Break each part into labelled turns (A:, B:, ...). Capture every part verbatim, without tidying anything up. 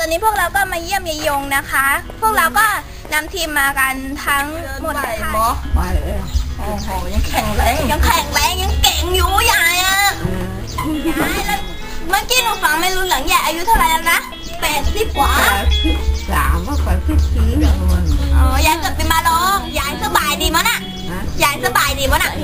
A: วันนี้พวกเราก็มาเยี่ยมยายยงนะคะ พวกเราก็นำทีมมากันทั้งหมดเลยค่ะไปเลยโอ้โหยังแข็งแรงยังแข็งแรงยังเก่งอยู่ยายอ่ะยายแล้วเมื่อกี้หนูฟังไม่รู้หลังยายอายุเท่าไหร่แล้วนะแปดสิบกว่า
B: สามว่าก่อนพี่ที
A: อ๋อยายเกิดเป็นมาลองยายสบายดีมั้งน่ะยายสบายดีมั้งน่ะ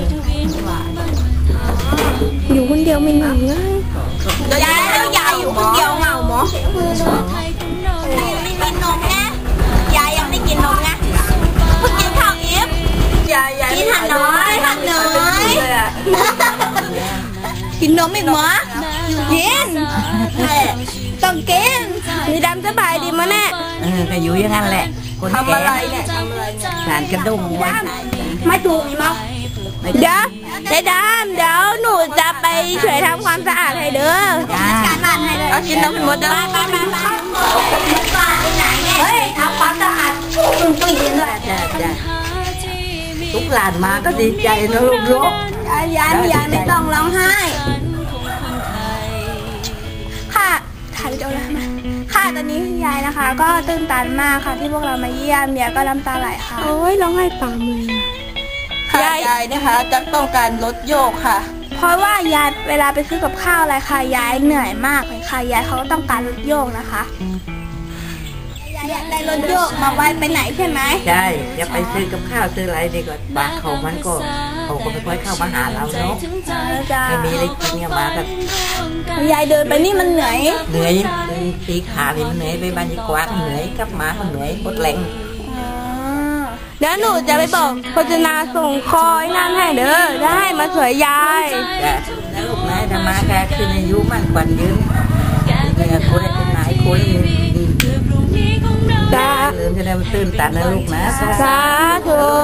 C: อยู่คนเดียวไม่หนี
A: เลยยายแล้วยายอยู่คนเดียวเหงาหมอไม่กินนมนะยายยังไม่กินนมนะเพิ่งกินข้าวอิ่มยายกินหันน้อยหันน้อยกินนมอีกหมอกินต้องกินมีดำสบายดีมั้งแน่
B: เออก็อยู่อย่างนั้นแหละ
A: ทำอะไรเนี่ยทำอะไร
B: สารกระดุมไว้
A: ไม่ถูกมั้งเดี๋ยวเดี๋ยวดามเดี๋ยวหนูจะไปช่วยทำความสะอาดให้เด้อการบ้านให้เลยเอากินน้ำเป็นหมดเด้อไปไปไปบ้านที่ไหนเนี่ยเฮ้ยทำความสะอาดตุ้งตุ้งยินเลย
B: จ้าจ้าทุกหลานมาก็ดีใจนะลูกลูก
A: ยายยายยายไม่ต้องร้องไห้ค่ะถ่ายวิดีโอแล้วมาค่ะตอนนี้ยายนะคะก็ตื่นตันมากค่ะที่พวกเรามาเยี่ยมยายก็น้ำตาไหลค่ะ
C: โอ้ยร้องไห้ตามเลย
A: ยายยายนะคะจะต้องการลดโยกค่ะเพราะว่ายายเวลาไปซื้อกับข้าวอะไรค่ะยายเหนื่อยมากเลยค่ะยายเขาต้องการลดโยกนะคะยายได้ลดโยกมาไว้ไปไหนใช่ไหม
B: ใช่จะไปซื้อกับข้าวซื้ออะไรดีกว่าบางเขามันก็เขาก็ไม่ค่อยเข้ามาหาเราเนาะไม่มีอะไรกินเนี่ยมาแบบ
A: ยายเดินไปนี่มันเหนื่อย
B: เหนื่อยตีขาเลยมันเหนื่อยไปบ้านยี่กวาดเหนื่อยกลับมาก็เหนื่อยหมดแรง
A: เดี๋ยวหนูจะไปบอกโฆษณาส่งคอยนั่นให้เด้อได้มาสวยยาย
B: จ้ะแล้วลูกนายธรรมะแกคืออายุมั่นขวัญยืนเนี่ยคนได้เป็นนายคนดี
A: จ้า
B: ลืมจะได้มาตื่นตันนะลูกนะ
A: สาธุ